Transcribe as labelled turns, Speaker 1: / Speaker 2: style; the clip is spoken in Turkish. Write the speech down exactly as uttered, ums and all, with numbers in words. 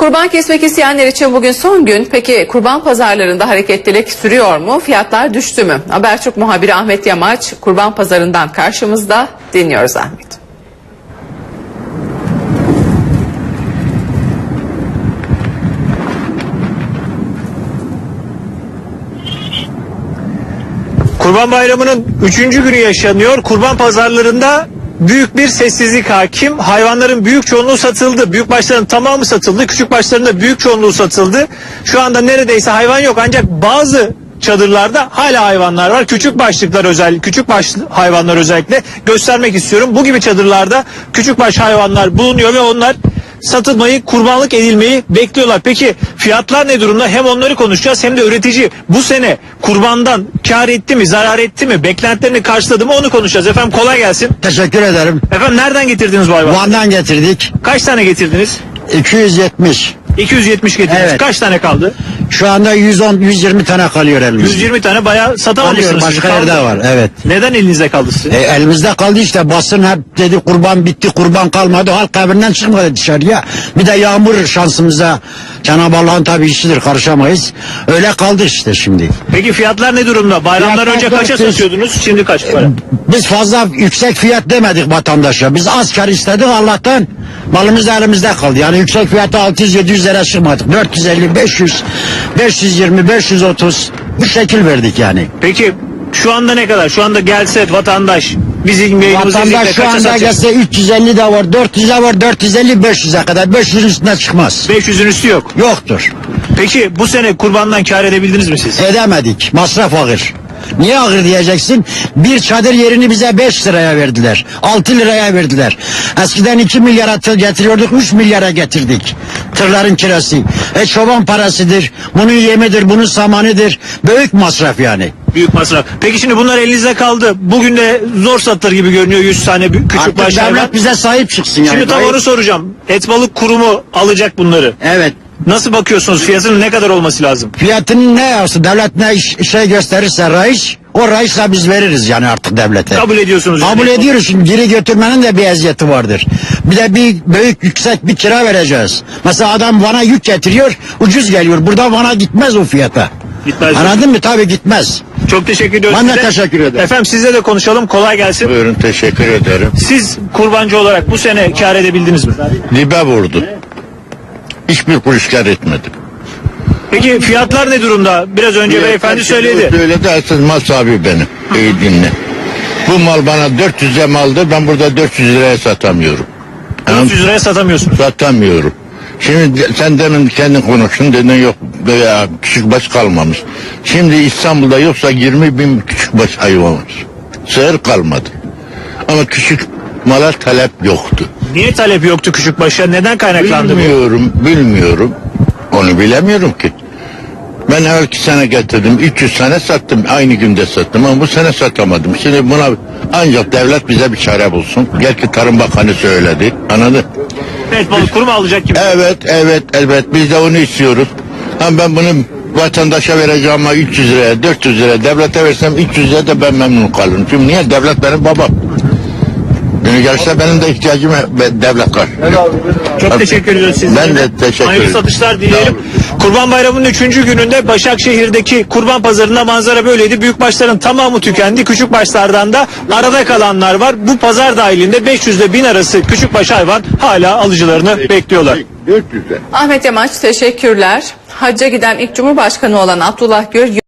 Speaker 1: Kurban kesmek isteyenler için bugün son gün. Peki kurban pazarlarında hareketlilik sürüyor mu? Fiyatlar düştü mü? Habertürk muhabiri Ahmet Yamaç kurban pazarından karşımızda. Dinliyoruz Ahmet.
Speaker 2: Kurban Bayramı'nın üçüncü günü yaşanıyor. Kurban pazarlarında büyük bir sessizlik hakim. Hayvanların büyük çoğunluğu satıldı. Büyükbaşların tamamı satıldı. Küçükbaşların da büyük çoğunluğu satıldı. Şu anda neredeyse hayvan yok. Ancak bazı çadırlarda hala hayvanlar var. Küçük başlıklar özel, küçük baş hayvanlar özellikle göstermek istiyorum. Bu gibi çadırlarda küçük baş hayvanlar bulunuyor ve onlar satılmayı, kurbanlık edilmeyi bekliyorlar. Peki fiyatlar ne durumda? Hem onları konuşacağız hem de üretici bu sene kurbandan kar etti mi, zarar etti mi, beklentilerini karşıladı mı onu konuşacağız. Efendim kolay gelsin.
Speaker 3: Teşekkür ederim.
Speaker 2: Efendim nereden getirdiniz bu hayvanı?
Speaker 3: Van'dan getirdik.
Speaker 2: Kaç tane getirdiniz?
Speaker 3: iki yüz yetmiş.
Speaker 2: iki yüz yetmiş getirdiniz.
Speaker 3: Evet.
Speaker 2: Kaç tane kaldı?
Speaker 3: Şu anda yüz on yüz yirmi tane kalıyor elimizde.
Speaker 2: yüz yirmi tane bayağı
Speaker 3: Kalıyor,
Speaker 2: satamamışsınız.
Speaker 3: başka
Speaker 2: Kaldı.
Speaker 3: yerde var, evet.
Speaker 2: Neden elinizde kaldı sizin?
Speaker 3: E, elimizde kaldı işte, basın hep dedi kurban bitti, kurban kalmadı, halk evinden çıkmadı dışarıya. Bir de yağmur şansımıza, Cenab-ı Allah'ın tabi işidir, karışamayız. Öyle kaldı işte şimdi.
Speaker 2: Peki fiyatlar ne durumda? Bayramdan
Speaker 3: Fiyatlar
Speaker 2: önce kaça
Speaker 3: dört yüz.
Speaker 2: satıyordunuz? Şimdi kaç para?
Speaker 3: Biz fazla yüksek fiyat demedik vatandaşa. Biz az kar istedik, Allah'tan malımız da elimizde kaldı. Yani yüksek fiyatı altı yüz yedi yüz lira çıkmadık. dört yüz elli, beş yüz, beş yüz yirmi, beş yüz otuz bu şekil verdik yani.
Speaker 2: Peki şu anda ne kadar? Şu anda gelse vatandaş bizim yayınımızı izleyip
Speaker 3: Vatandaş şu
Speaker 2: kaça
Speaker 3: anda
Speaker 2: satacak?
Speaker 3: gelse üç yüz elli de var, dört yüze var, dört yüz elli, beş yüze kadar. beş yüzün üstüne çıkmaz.
Speaker 2: beş yüzün üstü yok.
Speaker 3: Yoktur.
Speaker 2: Peki bu sene kurbandan kar edebildiniz mi siz?
Speaker 3: Edemedik. Masraf ağır. Niye ağır diyeceksin? Bir çadır yerini bize beş liraya verdiler. altı liraya verdiler. Eskiden iki milyara tır getiriyorduk, üç milyara getirdik. Tırların kirası. E çoban parasıdır. Bunun yemidir, bunun samanıdır. Büyük masraf yani.
Speaker 2: Büyük masraf. Peki şimdi bunlar elinizde kaldı. Bugün de zor satılır gibi görünüyor yüz tane büyük- küçük
Speaker 3: Artık
Speaker 2: baş hayvan.
Speaker 3: devlet bize sahip çıksın yani.
Speaker 2: Şimdi tam onu soracağım. Et Balık Kurumu alacak bunları.
Speaker 3: Evet.
Speaker 2: Nasıl bakıyorsunuz? Fiyatının ne kadar olması lazım?
Speaker 3: Fiyatının ne yapsın? Devlet ne iş, şey gösterirse reis, o reisle biz veririz yani artık devlete.
Speaker 2: Kabul ediyorsunuz.
Speaker 3: Kabul
Speaker 2: yani.
Speaker 3: ediyoruz, şimdi geri götürmenin de bir eziyeti vardır. Bir de bir büyük yüksek bir kira vereceğiz. Mesela adam Van'a yük getiriyor, ucuz geliyor. Burada Van'a gitmez o fiyata.
Speaker 2: Gitmez.
Speaker 3: Anladın mı? Tabii gitmez.
Speaker 2: Çok teşekkür ediyorum
Speaker 3: Ben de
Speaker 2: size.
Speaker 3: teşekkür ederim.
Speaker 2: Efendim sizle de konuşalım. Kolay gelsin.
Speaker 4: Buyurun, teşekkür ederim.
Speaker 2: Siz kurbancı olarak bu sene kar edebildiniz mi?
Speaker 4: Dibe vurdu. Hiçbir kuruş kar etmedim.
Speaker 2: Peki fiyatlar ne durumda? Biraz önce beyefendi söyledi.
Speaker 4: Söyledi, esas mal sahibi benim. İyi dinle. Bu mal bana dört yüze maldı, ben burada dört yüz liraya satamıyorum.
Speaker 2: dört yüz liraya satamıyorsunuz.
Speaker 4: Satamıyorum. Şimdi sen demin kendin konuştun, dedin yok veya küçük baş kalmamış. Şimdi İstanbul'da yoksa yirmi bin küçük baş hayvan var. Sığır kalmadı. Ama küçük mala talep yoktu.
Speaker 2: Niye talep yoktu küçük başa? Neden kaynaklandı bu?
Speaker 4: Bilmiyorum, bilmiyorum. Onu bilemiyorum ki. Ben evvelki sene getirdim, üç yüz tane sattım, aynı günde sattım ama bu sene satamadım. Şimdi buna ancak devlet bize bir çare bulsun. Belki Tarım Bakanı söyledi, anladın?
Speaker 2: Evet, Balık Kurumu alacak gibi.
Speaker 4: Evet, evet, evet, biz de onu istiyoruz. Ama ben bunu vatandaşa vereceğim ama üç yüz liraya, dört yüz liraya, devlete versem üç yüz liraya da ben memnun kalırım. Çünkü niye? Devlet benim babam. Günü gelse benim de ihtiyacım devlet var.
Speaker 2: Çok teşekkür ediyoruz sizlere.
Speaker 4: Ben de teşekkür
Speaker 2: Hayırlı
Speaker 4: ederim.
Speaker 2: satışlar dileyelim. Kurban Bayramı'nın üçüncü gününde Başakşehir'deki kurban pazarında manzara böyleydi. Büyükbaşların tamamı tükendi. Küçükbaşlardan da arada kalanlar var. Bu pazar dahilinde beş yüz ile bin arası küçükbaş hayvan hala alıcılarını bekliyorlar.
Speaker 4: dört yüze.
Speaker 1: Ahmet Yamaç teşekkürler. Hacca giden ilk Cumhurbaşkanı olan Abdullah Gül